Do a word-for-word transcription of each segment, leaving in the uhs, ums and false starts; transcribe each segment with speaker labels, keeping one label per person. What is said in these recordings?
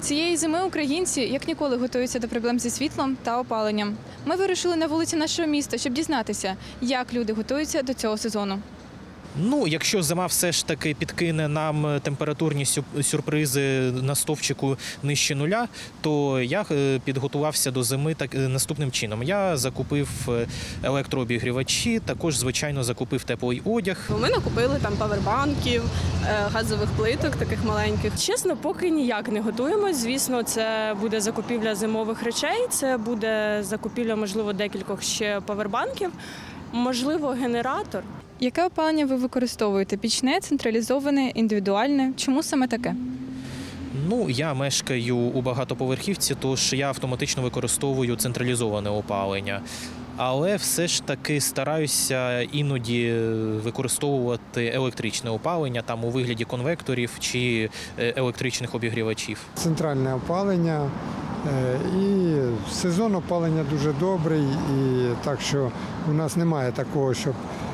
Speaker 1: Цієї зими українці як ніколи готуються до проблем зі світлом та опаленням. Ми вирушили на вулиці нашого міста, щоб дізнатися, як люди готуються до цього сезону.
Speaker 2: Ну, якщо зима все ж таки підкине нам температурні сюрпризи на стовпчику нижче нуля, то я підготувався до зими так наступним чином. Я закупив електрообігрівачі, також, звичайно, закупив теплий одяг.
Speaker 3: Ми накупили там павербанків, газових плиток таких маленьких. Чесно, поки ніяк не готуємось. Звісно, це буде закупівля зимових речей, це буде закупівля, можливо, декількох ще павербанків, можливо, генератор.
Speaker 1: Яке опалення ви використовуєте? Пічне, централізоване, індивідуальне? Чому саме таке?
Speaker 2: Ну, я мешкаю у багатоповерхівці, тож я автоматично використовую централізоване опалення. Але все ж таки стараюся іноді використовувати електричне опалення там у вигляді конвекторів чи електричних обігрівачів.
Speaker 4: Центральне опалення і сезон опалення дуже добрий, і так що у нас немає такого, щоб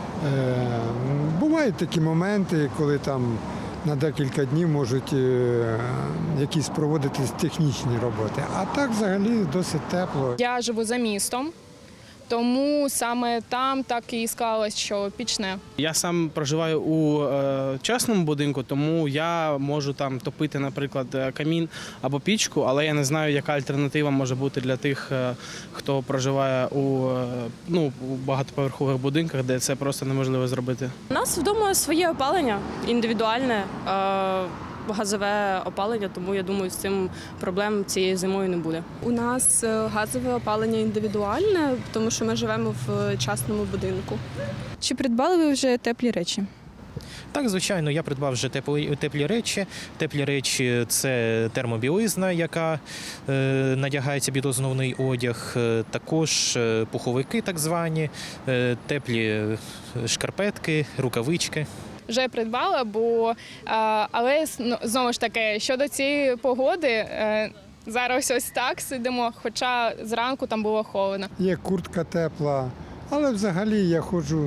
Speaker 4: бувають такі моменти, коли там на декілька днів можуть якісь проводитись технічні роботи. А так взагалі досить тепло.
Speaker 5: Я живу за містом, тому саме там так і склалось, що пічне.
Speaker 6: Я сам проживаю у е, частному будинку, тому я можу там топити, наприклад, камін або пічку, але я не знаю, яка альтернатива може бути для тих, е, хто проживає у, е, ну, у багатоповерхових будинках, де це просто неможливо зробити.
Speaker 3: У нас вдома своє опалення, індивідуальне, е, газове опалення, тому я думаю, з цим проблем цією зимою не буде.
Speaker 7: У нас газове опалення індивідуальне, тому що ми живемо в частному будинку.
Speaker 1: Чи придбали ви вже теплі речі?
Speaker 2: Так, звичайно, я придбав вже теплі, теплі речі. Теплі речі – це термобілизна, яка е, надягається під основний одяг, е, також е, пуховики так звані, е, теплі шкарпетки, рукавички.
Speaker 5: Вже придбала, бо, але знову ж таки, щодо цієї погоди, зараз ось так сидимо, хоча зранку там було холодно.
Speaker 4: Є куртка тепла, але взагалі я ходжу,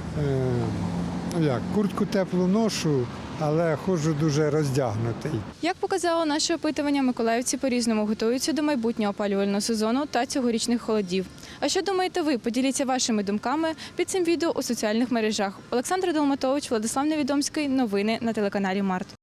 Speaker 4: е, як, куртку теплу ношу, але ходжу дуже роздягнутий.
Speaker 1: Як показало наше опитування, миколаївці по-різному готуються до майбутнього опалювального сезону та цьогорічних холодів. А що думаєте ви? Поділіться вашими думками під цим відео у соціальних мережах. Олександра Долматович, Владислав Невідомський. Новини на телеканалі Март.